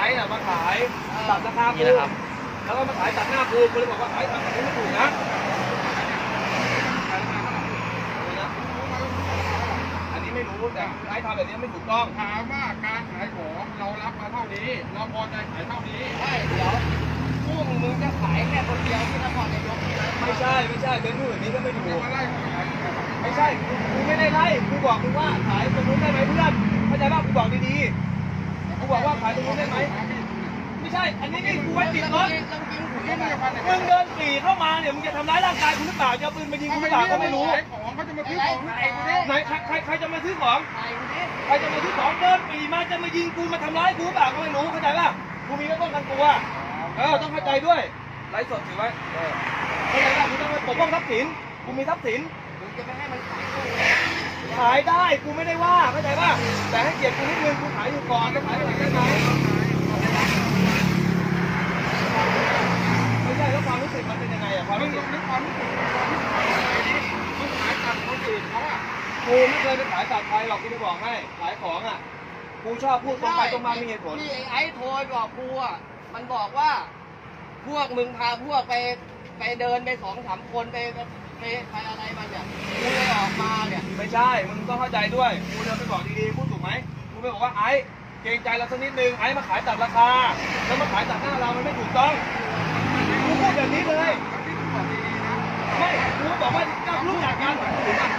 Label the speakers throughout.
Speaker 1: น่ะมาขายตัดราคากูแล้วก็มาขายตัดหน้ากูเลยบอกว่าขายตัดกูไม่ถูกนะอันนี้ไม่รู้แต่ไอ้ทำแบบนี้ไม่ถูกต้อง
Speaker 2: ถามว่าการขายของเรารับมาเท่านี้เราพอใจขายเท่านี้
Speaker 3: ใช่เดี๋ยวพวกมึงจะขายแค่คนเดียวที่นครนายก
Speaker 1: ไม่ใช่เป็นผู้แบบนี้ก็ไม่ถูก
Speaker 2: มาไล่
Speaker 1: ไม่ใช่กูไม่ได้ไล่กูบอกมึงว่าขายตรงนู้นได้ไหมเพื่อนเข้าใจป่ะกูบอกดีๆกูบอกว่าขายตรงนู้นได้ไหมไม่ใช่อันนี้นี่กูไว้ติดรถมึงเดินปรีเข้ามาเนี่ยมึงจะทำร้ายร่างกายกูหรือเปล่าจะเอาปืนมายิงกูหรือเปล่าก็ไม่รู้
Speaker 2: ของเขาจะมาซื้อของ
Speaker 1: ไหนใครจะมาซื้อของใครจะมาซื้อของเดินปรีมาจะมายิงกูมาทำร้ายกูหรือเปล่าก็ไม่รู้เข้าใจป่ะกูมีก็ต้องกันตัวต้องเข้าใจด้วยไลฟ์สดถือไว้เข้าใจป่ะกูต้องไปปกป้องทรัพย์สินกูมีทรัพย์สิน
Speaker 3: จะไม่ให้มัน
Speaker 1: ขายได้กูไม่ได้ว่าเข้าใจป่ะแต่ให้เกียรติกูนิดนึงกูขายอยู่ก่อนจะขายอะไรได้ไหมไม่ใช่แล้วความรู้สึกมันเป็นยังไงอะความรู้สึก
Speaker 2: นึกความรู้สึกมึงขายตัดคนอื่นเขาอะ
Speaker 1: กูไม่เคยไปขายตัดใครหรอกกูจะบอกให้ขายของอะกูชอบพูดตรงไปตรงมามีเหตุผล
Speaker 3: ที่ไอ้โทรบอกกูอะมันบอกว่าพวกมึงพาพวกไปเดินไป2-3 คนไปอะไรมันเนี่ยกูเลยออกมาเนี่ย
Speaker 1: ไม่ใช่มึงต้องเข้าใจด้วยกูเดินไปบอกดีๆพูดถูกไหมกูไม่บอกว่าไอ้เกรงใจเราสักนิดนึงไอ้มาขายตัดราคาแล้วมาขายตัดหน้าเรามันไม่ถูกต้องกูพูดแบบนี้เลยไม่กูบอกว่าก็รู้จักกันถูกป่ะ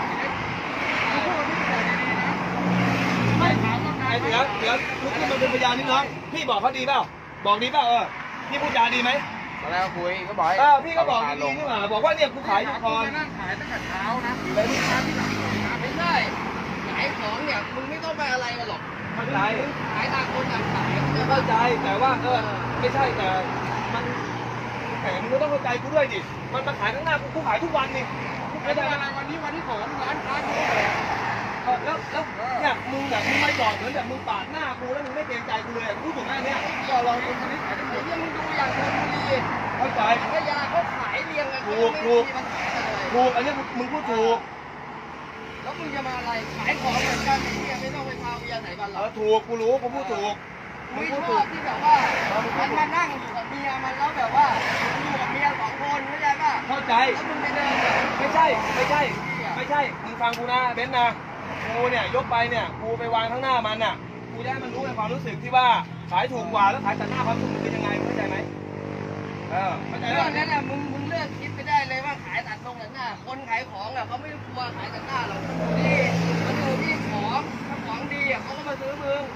Speaker 1: ไม่ไอ้เดี๋ยวลุกขึ้นมาเป็นพยานนิดน้องพี่บอกเขาดีเปล่าบอกดีเปล่าพี่พูดจาดีไหม
Speaker 2: ตอนแรกคุยก็บอก
Speaker 1: พี่ก็บอกดีๆนี่หว่าบอกว่าเนี่ยกูขายอยู่ก่อน
Speaker 2: นั่งขายตั้งแต่เช้านะ
Speaker 3: ไม่ใช่ขายของเนี่ยมึงไม่ต้องไปอะไรกันหรอก
Speaker 1: เข้าใจ
Speaker 3: ขายต่างคนต่างขาย
Speaker 1: เข้าใจแต่ว่าไม่ใช่แต่มันแต่มึงก็ต้องเข้าใจกูด้วยดิมันมาขายข้างหน้ากูขายทุกวันนี่
Speaker 2: ไม่ได้อะไรวันนี้วันที่2ร้านค้า
Speaker 1: แล้วเนี่ยมึงแบบมึงไม่จอดเหมือนแบบมึงปาดหน้ากูแล้วมึงไม่เกรงใจกูเลยกูถูกไหมเนี่ย
Speaker 3: ก็เราคนนี้ขายได้หมดยังมึงดูอย่างชลบุรี
Speaker 1: เข้าใจ
Speaker 3: พัทยาเขาขายเรียงกัน
Speaker 1: ถูกอันนี้มึงพูดถูก
Speaker 3: แล้วมึงจะมาอะไรขายของเหมือนกันที่ไม่ต้องไปพาเวียไหนบ้านเรา
Speaker 1: ถูกกูรู้กูพูดถูก
Speaker 3: มึงชอบที่แบบว่ามันมานั่งอยู่กับเมียมันแล้วแบบว่าอยู่กับเมีย2 คนเข้าใจป่ะ
Speaker 1: เข้าใจ
Speaker 3: แล้วมึงไปเดิน
Speaker 1: ไม่ใช่มึงฟังกูนะเบนซ์นะกูเนี่ยยกไปเนี่ยกูไปวางข้างหน้ามันน่ะกูจะให้มันรู้ในความรู้สึกที่ว่าขายถูกกว่าแล้วขายตัดหน้าความรู้สึกมันเป็นยังไงเข้าใจไหมเข้าใจ
Speaker 3: เรื่องนั้นน่ะมึงเลิกคิดไปได้เลยว่าขายตัดตรงหน้าคนขายของอ่ะเขาไม่กลัวขายตัดหน้าหรอกมันอยู่ที่ของถ้าของดีอ่ะเขาก็มาซื้อมึง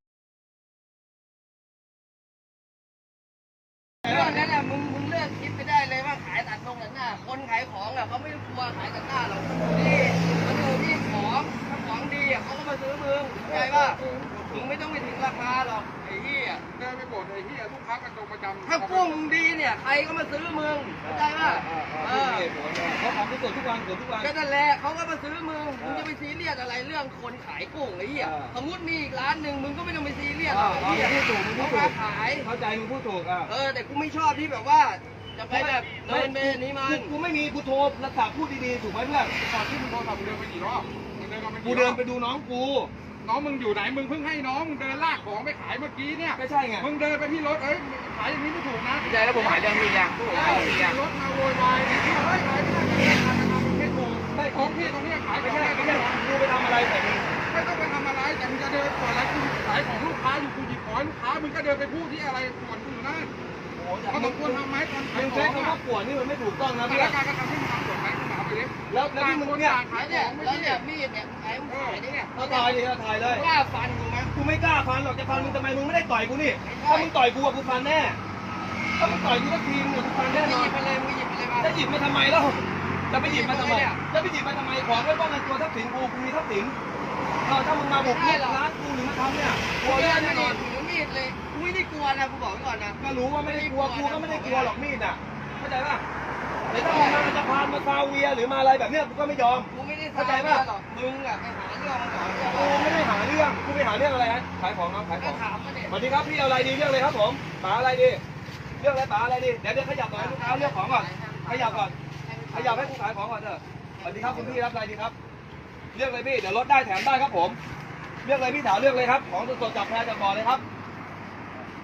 Speaker 3: เรื่องนั้นน่ะมึงเลิกคิดไปได้เลยว่าขายตัดตรงหน้าคนขายของอ่ะเขาไม่กลัวขายตัดหน้าหรอกมันอยู่ที่ของถ้าของดีอ่ะเขาก็มาซื้อมึงเข้าใจป่ะมึงไม่ต้องไปถึงราคาหรอกไอ้เหี้ย
Speaker 2: เดินไปบ่นไอ้เหี้ยลูกค้ากันตรงประจำ
Speaker 3: ถ้ากุ้งดีเนี่ยใครก็มาซื้อมึงเข้าใจป่ะ
Speaker 1: เขาทำทุกวัน
Speaker 3: ก็นั่นแหละเขาก็มาซื้อมึงจะไปซีเรียสอะไรเรื่องคนขายกุ้งไอ้เหี้ยสมมติมีอีกร้านหนึ่งมึงก็ไม่ต้องไปซีเรียสหรอกไอ้เหี้ยเขามาขาย
Speaker 1: เข้าใจมึงพูดถูก
Speaker 3: แต่กูไม่ชอบที่แบบว่าจะไปแบบเดินไปนี้มัน
Speaker 1: กูไม่มีกูโทรรักษาพูดดีๆถูกไหมเพื่อน
Speaker 2: ก่อนที่มึงโทรศัพท์เดินไปกี่รอบ
Speaker 1: กูเดินไปดูน้องกู
Speaker 2: น้องมึงอยู่ไหนมึงเพิ่งให้น้องมึงเดินลากของไปขายเมื่อกี้เนี่ย
Speaker 1: ไม่ใช่ไง
Speaker 2: มึงเดินไปที่รถขายอย่างนี้ไม่ถูกนะ
Speaker 3: ใช่แล้วผมหายเรื่องมีอย่าง
Speaker 2: รถมาโวยวายที่ขายไม่ถูกได้ของพี่ตรงนี้ขาย
Speaker 1: ไม่ใช่กูไปทำอะไรแต่มึง
Speaker 2: ไม่ต้องไปทำอะไรแต่มึงจะเดินก่อนแล้วกูขายของลูกค้าอยู่กูหยิบของลูกค้ามึงก็เดินไปพูดที่อะไรก่อนกูอยู่นั่นเขาต้องควรทำไหมตอนขายของ
Speaker 1: ใช้คำว่าปวดนี่มันไม่ถูกต้องนะ
Speaker 2: พี่แล้วการก็ทำให้มึงทำปวดไหมมึงเอาไปเลย
Speaker 1: แล้วที่มึงเนี่ย
Speaker 3: ขายเนี่ยแล้วเนี่ยมีดเนี่ยขายมึงขายเนี่ย
Speaker 1: เอาถ่ายเลย
Speaker 3: กล้าฟันกูไหม
Speaker 1: กูไม่กล้าฟันหรอกจะฟันมึงทำไมมึงไม่ได้ต่อยกูนี่ถ้ามึงต่อยกูกูฟันแน่ถ้ามึงต่อยกูสักทีมึงกูฟันแน่นอน
Speaker 3: หยิบไปเลยมึงหยิบไปเลยมา
Speaker 1: จะหยิบมาทำไมแล้วจะไปหยิบมาทำไมจะไปหยิบมาทำไมของไม่ป้องกันตัวทรัพย์สินกูมีทรัพย์สินถ้ามึงมาบุกรุกร้านกูหรือมาทำเนี่ย
Speaker 3: กลัวแน่นอนถือมีดเลยกูไม่ได้กลัวนะกูบอกก่อนนะ
Speaker 1: ก็รู้ว่าไม่ได้กลัวกูก็ไม่ได้กลัวหรอกมีดอ่ะเข้าใจป่ะแต่ถ้ามึงมาจะพานมาซาเวียหรือมาอะไรแบบเนี้ยกูก็ไม่ยอม
Speaker 3: กูไม่ได้เข้าใจป่ะมึงอ่ะไปหาเรื่องมันก่อน
Speaker 1: กูไม่ได้หาเรื่องกูไปหาเรื่องอะไรฮะขายของน้องขายของสวัสดีครับพี่เอาอะไรดีเรื่องเลยครับผมป๋าอะไรดีเรื่องอะไรป๋าอะไรดีเดี๋ยวขยับก่อนลูกค้าเรื่องของก่อนขยับก่อนขยับให้กูขายของก่อนเถอะสวัสดีครับคุณพี่รับอะไรดีครับเรื่องเลยพี่เดี๋ยวลดได้แถมได้ครับผมเรื่องเลยพี่ถามเรื่องเลยครับของสดๆจากแพรจากบ่อเลยครับ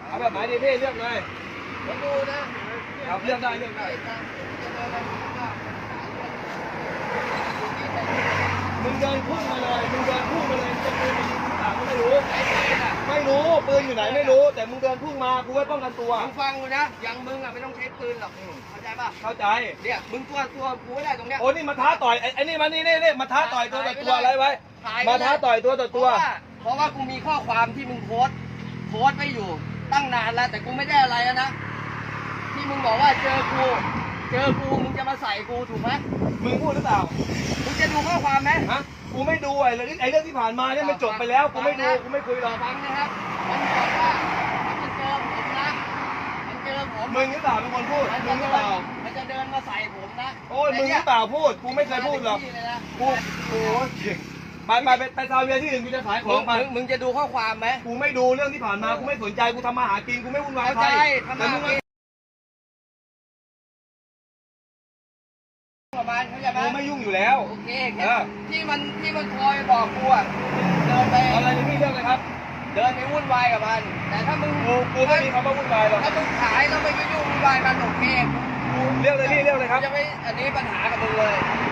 Speaker 1: เอาแบบไหนดีพี่เลือกเลย
Speaker 3: ผมดูนะ
Speaker 1: เอาเลือกได้เลือกได้ มึงเดินพุ่งมาเลยมึงเดินพุ่งมาเลยจะปืนมายิงหรือเปล่าก็ไม่รู้ไม่รู้ปืนอยู่ไหนไม่รู้แต่มึงเดินพุ่งมากูไว้ป้องกันตัว
Speaker 3: มึงฟังกูนะอย่างมึงอ่ะไม่ต้องใช้ปืนหรอกเข้าใจป่ะ
Speaker 1: เข้าใจ
Speaker 3: เนี่ยมึงตัวกูไม่ได้ตรงเนี้ย
Speaker 1: โอ้นี่มาท้าต่อยไอ้นี่มานี่มาท้าต่อยตัวต่อตัวอะไรไว้มาท้าต่อยตัวต่อตัว
Speaker 3: เพราะว่ากูมีข้อความที่มึงโพสต์ไว้อยู่ตั้งนานแล้วแต่กูไม่ได้อะไรแล้วนะที่มึงบอกว่าเจอกูมึงจะมาใส่กูถูกไหม
Speaker 1: มึงพูดหรือเปล่า
Speaker 3: มึงจะดูข้อความไหม
Speaker 1: ฮะกูไม่ดูไอ้เรื่องที่ผ่านมาเนี่ยมันจบไปแล้วกูไม่ดูกูไม่คุยหรอก
Speaker 3: ฟังนะครับมันบอกว่ามันเจอผมนะมันเจอผม
Speaker 1: มึงหรือเปล่าเป็นคนพูดมึงหรือเปล่า
Speaker 3: มันจะเดินมาใส่ผมนะ
Speaker 1: โอ้ยมึงหรือเปล่าพูดกูไม่เคยพูดหรอกกูโอ้ยไปซาเวียที่อื่นกูจะขายของไป
Speaker 3: มึงจะดูข้อความไหม
Speaker 1: กูไม่ดูเรื่องที่ผ่านมากูไม่สนใจกูทำมาหากินกูไม่วุ่นวาย
Speaker 3: เข้า
Speaker 1: ใคร
Speaker 3: ใจทำ
Speaker 1: แต่
Speaker 3: มา
Speaker 1: มึง
Speaker 3: ประมาณเข้าใจไหม
Speaker 1: กูไม่ยุ่งอยู่แล้ว
Speaker 3: โอเคที่มันคอยบอกกูอ่ะเดินไป
Speaker 1: อะไรนี่พี่เรื่องเลยครับ
Speaker 3: เดินไปวุ่นวายกับมัน แต่ถ้ามึง
Speaker 1: กูไม่มีคำว่าวุ่นวายหรอก
Speaker 3: ถ้ามึงขายแล้วไม่ไปยุ่งวุ่นวายมันโอเค
Speaker 1: เรื่องเลยพี่เรื่องเลยครับ
Speaker 3: จะไม่อันนี้ปัญหากับมึงเลย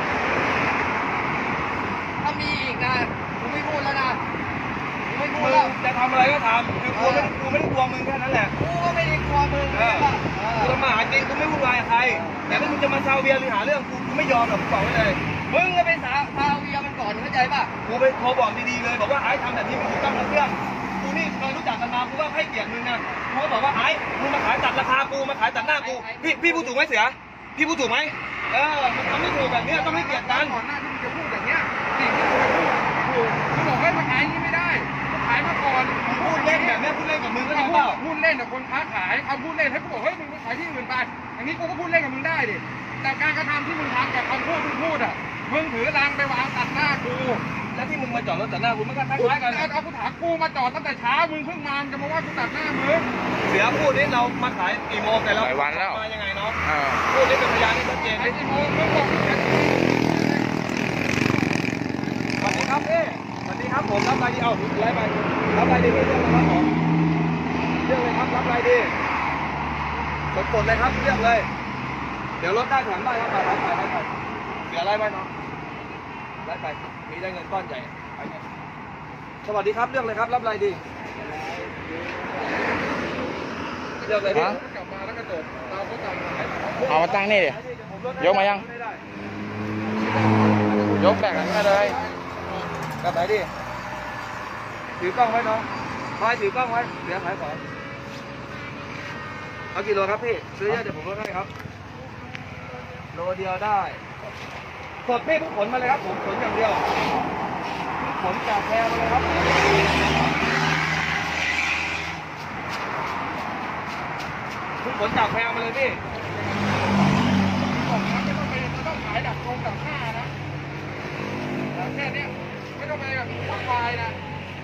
Speaker 3: ถ้ามีอีกนะกูไม่พูดแล้วนะกูไม่พูด
Speaker 1: มึ
Speaker 3: แล้ว
Speaker 1: งจะทำอะไรก็ทำคือกูไม่ได้กลัวมึงแค่นั้นแหละ
Speaker 3: กูก็ไม่ได้กลัวมึง
Speaker 1: กูทำมาหากินกูไม่วุ่นวายกับใครแต่ถ้ามึงจะมาซาเวียหรือหาเรื่องกูไม่ยอมหรอกกูบอกไว้เลย
Speaker 3: มึงก็เป็นซาเวียมันก่อนเข้าใจป่ะ
Speaker 1: กูไปโทรบอกดีๆเลยบอกว่าไอ้ทำแบบนี้ไม่ถูกต้องนะเพื่อนกูนี่เคยรู้จักกันมากูก็ให้เกียรติมึงนะกูก็บอกว่าไอ้มึงมาขายตัดราคากูมาขายตัดหน้ากูพี่พูดถูกไหมเสือพี่พูดถูกไหมมันทำไม่ถูกแบบนี้ต้องให้เกียรติกัน
Speaker 2: ก่อนหน้าที่มึงจะพูดอย่างเนี้ยสิ่งที่มึงจะพูดถูกมึงบอกให้มาขายอย่างนี้ไม่ได้มึงขายมาก่อน
Speaker 1: พูดเล่นแบบนี้พูดเล่นกับมึงก็
Speaker 2: ถ้า
Speaker 1: ทำเปล่า
Speaker 2: พูดเล่นกับคนค้าขายเอาพูดเล่นให้กูบอกเฮ้ยมึงไปขายที่อื่นไปอย่างนี้กูก็พูดเล่นกับมึงได้ดิแต่การกระทำที่มึงทำกับคำพูดที่พูดอ่ะมึงถือรังไปวางตัดหน้ากู
Speaker 1: แล้วที่มึงมาจอดรถตัดหน้ากูมันก็คล้ายๆกัน
Speaker 2: เอากูถามกูมาจอดตั้งแต่เช้ามึงเพิ่งมาจะมาว่ากูตัดหน้ามึง
Speaker 1: เสือพูดนี่เรามาขายกี่โมงแต่เรา
Speaker 4: หลายวันแล้ว
Speaker 1: มายังไงเนาะพูดนี่เป็นพยานที่ชัดเจน
Speaker 2: ไอ้ที่มึงบอก
Speaker 1: สวัสดีครับพี่สวัสดีครับผมรับอะไรดีเอาไล่ไปรับอะไรดีพี่เรื่องอะไรครับผมเรื่องเลยครับรับอะไรดีกดเลยครับเลือกเลย เดี๋ยวรถได้แถมได้ครับไปเสือไล่ไปเนาะไล่ไปมีได้เงินก้อนใหญ่ไปเนี่ยสวัสดีครับเรื่องเลยครับรับอะไรดีเลือกเลยพี่
Speaker 2: กลับมาแล้วก็จบเราก็กลับมา
Speaker 4: เอามาตั้งนี่ดิ ยกมายัง ยกแบ่งกันมาเลย
Speaker 1: กลับไหนดิถือกล้องไว้เนาะคอยถือกล้องไว้เดี๋ยวขายของเอากี่โลครับพี่ซื้อเยอะเดี๋ยวผมลดให้ครับโลเดียวได้สดพี่เพิ่งขนมาเลยครับผมขนอย่างเดียวขนจากแพรมาเลยครับเพิ่งขนจากแพรมาเลยพี่
Speaker 2: ไม่ต้องขายดักตรงดักหน้านะแค่นี้ไม่ต้องไปแบบวุ่นวายนะ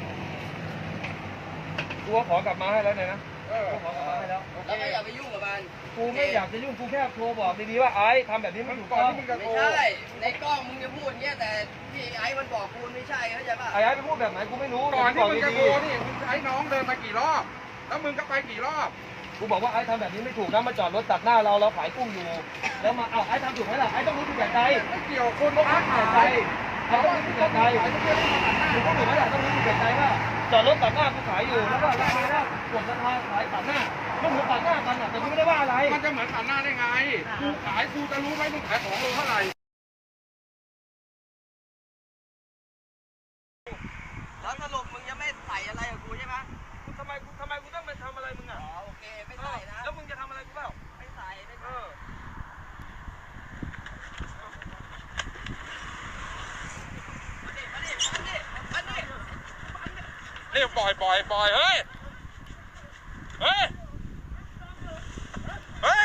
Speaker 1: กูขอกลับมาให้แล้วเนี่ยนะกูขอกลับมาให้แล้ว
Speaker 3: แล้วก็อย่าไปยุ่งกับมัน
Speaker 1: กูไม่อยากจะยุ่งกูแค่โทรบอกดีๆว่าไอ้ทำแบบนี้ไม่ถูก
Speaker 2: ก่อน
Speaker 1: ต้อง
Speaker 2: ที่มึงจะโท
Speaker 3: ไม่
Speaker 2: ร
Speaker 3: ใช่ในกล้องมึงจะพูดอย่างเงี้ยแต่ที่ไอ้มันบอกกูไม่ใช่เข้าใจป่ะ
Speaker 1: ไอ้ไปพูดแบบไหนกูไม่รู้
Speaker 2: ก่อนที่มึงจะ
Speaker 1: ดี
Speaker 2: โทรนี่มึงใช้น้องเดินมากี่รอบ แล้วมึงก็ไปกี่รอบ
Speaker 1: ๆกูบอกว่าไอ้ทำแบบนี้ไม่ถูกนะมาจอดรถตัดหน้าเราขายกุ้งอยู่ แล้วมาไอ้ทำถูกไหมล่ะไอ้ต้องรู้ถูกแบบใจ
Speaker 2: ไม่เกี่ยวคน
Speaker 1: ต้อง
Speaker 2: ค้า
Speaker 1: รู้ถูก
Speaker 2: ขา
Speaker 1: แบบใจ
Speaker 2: ย
Speaker 1: ไอ้ต้องรู้ถูกแบบใจถูกต้องถูกไหมล่ะต้องรู้ถูกแบบใจว่าจอดรถตัดหน้ากูขายอยู่แล้วก็ราคาว่ากดราคาขายตัดหน้าต้องหัวตัดหน้ากันอ่ะแต่กูไม่ได้ว่าอะไร
Speaker 2: มันจะเหมือนผ่านหน้าได้ไง กูขายกูจะรู้ไหมมึงขายของโลเท่าไหร่
Speaker 3: แล้วสรุปมึงจะไม่ใส่อะไรกับกูใช่ไหม
Speaker 1: ทำไมกูต้องมาทำอะไรมึงอ่ะ
Speaker 3: อ๋อโอเคไม่ใส่นะ
Speaker 1: แล้วมึงจะทำอะไรกูเปล่า
Speaker 3: ไม่ใส่ไม่ใส่
Speaker 2: นี่ปล่อยเฮ้ย เฮ้ย เฮ้ย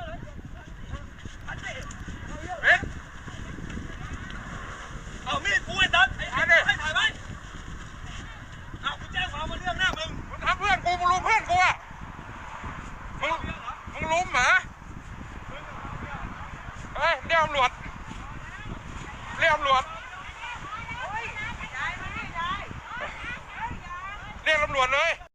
Speaker 2: เฮ้ย
Speaker 1: เอามีดกูไอ้ตันไอ้
Speaker 2: มาดิ
Speaker 1: ให้ถ่ายไว้เอากูแจ้งความมาเรื่องหน้ามึง
Speaker 2: มึงทำเพื่อนกูมึงลุมเพื่อนกูอ่ะมึงลุมเหรอเฮ้ยเรียกตำรวจเรียกตำรวจเรียกตำรวจเลย